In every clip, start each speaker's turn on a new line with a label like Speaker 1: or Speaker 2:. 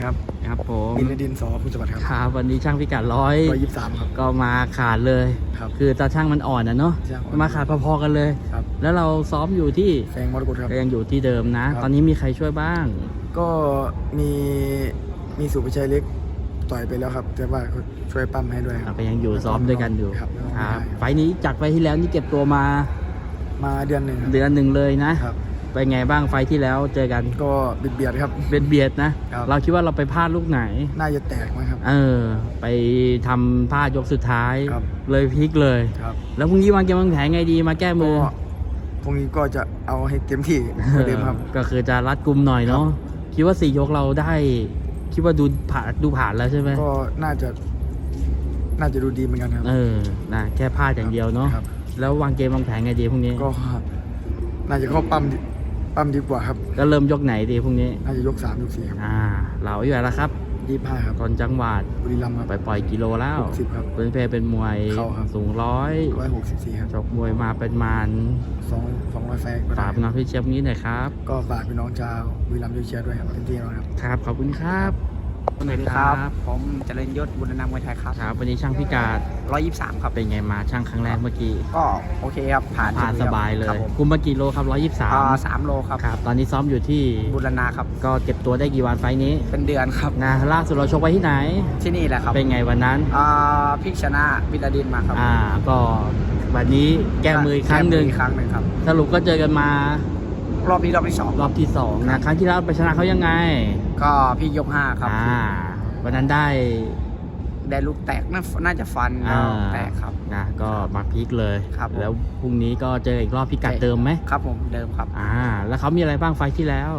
Speaker 1: ครับ
Speaker 2: ครับผม
Speaker 1: ดินดินสอพุทธวัฒน์ครับ
Speaker 2: ครับวันนี้ช่างพิกัด
Speaker 1: 123ครับ
Speaker 2: ก็มาขาดเลย
Speaker 1: ครับ
Speaker 2: คือตาช่างมันอ่อนนะเนาะ
Speaker 1: ช่างอ่อน
Speaker 2: มาขาดพอๆกันเลย
Speaker 1: ครับ
Speaker 2: แล้วเราซ้อมอยู่ที่
Speaker 1: แฟงมรกตครับ
Speaker 2: ก็ยังอยู่ที่เดิมนะ
Speaker 1: ครับ
Speaker 2: ตอนนี้มีใครช่วยบ้าง
Speaker 1: ก็มีสุภชัยเล็กต่อยไปแล้วครับ แต่ว่าเขาช่วยปั้มให้ด้วยครับ
Speaker 2: ก็ยังอยู่ซ้อมด้วยกันอยู่
Speaker 1: ครับ
Speaker 2: ครับไฟล์นี้จากไฟล์ที่แล้วนี่เก็บตัวมา
Speaker 1: มาเดือนหนึ่งครับ
Speaker 2: เดือนหนึ่งเลยนะครับ เป็นไงบ้างไฟล์ที่แล้วเจอกัน
Speaker 1: ก็เบียดครับ
Speaker 2: เบียดนะ
Speaker 1: ครับ
Speaker 2: เราคิดว่าเราไปพลาดลูกไหน
Speaker 1: น่าจะแตกมั้งครับ
Speaker 2: ไปทำพลาดยกสุดท้าย
Speaker 1: ครับ
Speaker 2: เลยพลิกเลย
Speaker 1: ครับ
Speaker 2: แล้วพรุ่งนี้วางเกมวางแผนไงดีมาแก้มือ
Speaker 1: ก็พรุ่งนี้ก็จะเอาให้เต็มที่เหมือนเดิมครับ
Speaker 2: ก็คือจะรัดกุมหน่อยเนาะ คิดว่า4 ยกเราได้ คิดว่าดูผ่านแล้วใช่ไหม
Speaker 1: ก็น่าจะดูดีเหมือนกันครับ
Speaker 2: นะแค่พลาดอย่างเดียวเนาะ
Speaker 1: ครับ
Speaker 2: แล้ววางเกมวางแผนไงดีพรุ่งนี้
Speaker 1: ก็น่าจะเข้าปั้มดีกว่าครับ
Speaker 2: ก็เริ่มยกไหนดีพรุ่งนี้
Speaker 1: น่าจะยก3ยก4ครับ
Speaker 2: เราอยู่แล้วครับ
Speaker 1: 25ครับ
Speaker 2: ตอนจังหวัด
Speaker 1: บุรีรัมย์ครับ
Speaker 2: ปล่อยกิโลแล้ว
Speaker 1: 60ครับ
Speaker 2: เป็นมวย
Speaker 1: เข้าครับ
Speaker 2: สูง
Speaker 1: 164ครับ
Speaker 2: ชกมวยมาเป็นมาน
Speaker 1: 200 ไฟล์ก็
Speaker 2: ฝา
Speaker 1: ได้
Speaker 2: กน้องพี่เชียบนี้หน่อยครับ
Speaker 1: ก็ฝากพี่น้องชาวบุรีรัมย์ช่วยเชียร์ด้วยครับเต็มที่แล้วครับ
Speaker 2: ครับ ขอบคุณครับ
Speaker 3: สวัสดีครับ ผมเจริญยศบุญนามวยไทยครับ
Speaker 2: ครับวันนี้ช่างพิกัด
Speaker 3: 123 ครับ
Speaker 2: เป็นไงมาช่างครั้งแรกเมื่อกี้
Speaker 3: ก็โอเคครับ ผ่าน
Speaker 2: สบายเล
Speaker 3: ครับ
Speaker 2: ย
Speaker 3: ผม
Speaker 2: คุมมากี่โลครับ
Speaker 3: 3 โลครับ
Speaker 2: ครับ ตอนนี้ซ้อมอยู่ที่
Speaker 3: บุรณาครับ
Speaker 2: ก็เก็บตัวได้กี่วันไฟล์นี้
Speaker 3: เป็นเดือนครับ
Speaker 2: นะล่าสุดเราชกไว้ที่ไหน
Speaker 3: ที่นี่แหละครับ
Speaker 2: เป็นไงวันนั้น
Speaker 3: พี่ชนะวิลาดินมาครับ
Speaker 2: ก็วันนี้แก้มืออีกครั้งหนึ่ง
Speaker 3: แก้มืออีกครั้งหนึ่งครับ
Speaker 2: สรุปก็เจอกันมาร
Speaker 3: อบนี้รอบที่
Speaker 2: รอบที่2นะครั้งที่แล้วไปชนะเขายังไง
Speaker 3: 2 ก็พี่ยก 5 ครับ
Speaker 2: วันนั้นได้
Speaker 3: ได้ลูกแตกน่าจะฟันแตกครับ
Speaker 2: นะก็มาพลิกเลย
Speaker 3: ครับผม
Speaker 2: แล้วพรุ่งนี้ก็เจออีกรอบพิกัดเดิมไหม
Speaker 3: ครับผมเดิมครับ
Speaker 2: แล้วเขามีอะไรบ้างไฟล์ที่แล้ว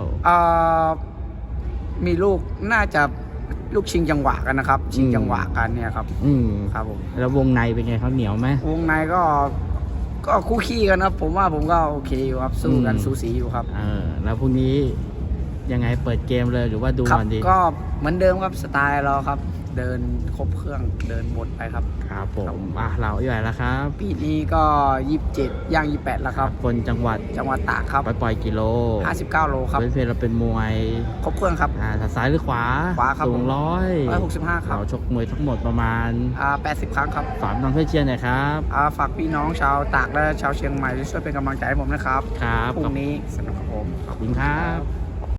Speaker 3: มีลูกน่าจะลูกชิงจังหวะกันนะครับ ชิงจังหวะกันเนี่ยครับ ครับผม
Speaker 2: แล้ววงในเป็นไงเขาเหนียวไหม
Speaker 3: วงในก็คู่ขี้กันครับ ผมว่าผมก็โอเคอยู่ครับสู้กันสูสีอยู่ครับ
Speaker 2: แล้วพรุ่งนี้ยังไงเปิดเกมเลยหรือว่าดู
Speaker 3: ครับ
Speaker 2: ก่อนดี
Speaker 3: ก็เหมือนเดิมครับสไตล์เราครับ เดินครบเครื่องเดินหมดไปครับ
Speaker 2: ครับผมเราอยู่ไหนแล้วครับ
Speaker 3: ปีนี้ก็27ย่าง28แล้วครับ
Speaker 2: คนจังหวัด
Speaker 3: จังหวัดตากครับ
Speaker 2: ปล่อยกิโล
Speaker 3: 59 โลครับ
Speaker 2: เป็นเราเป็นมวย
Speaker 3: ครบเครื่องครับ
Speaker 2: ซ้ายหรือขวา
Speaker 3: ขวาครับ
Speaker 2: สูง
Speaker 3: 165 ครับ
Speaker 2: เราชกมวยทั้งหมดประมาณ
Speaker 3: 80 ครั้งครับ
Speaker 2: ฝากน้องเพื่อนเชียร์หน่อยครับ
Speaker 3: ฝากพี่น้องชาวตากและชาวเชียงใหม่ช่วยเป็นกำลังใจให้ผมนะครับ
Speaker 2: ครับ
Speaker 3: พรุ่งนี้สนุกครับผม
Speaker 2: ขอบคุณครับ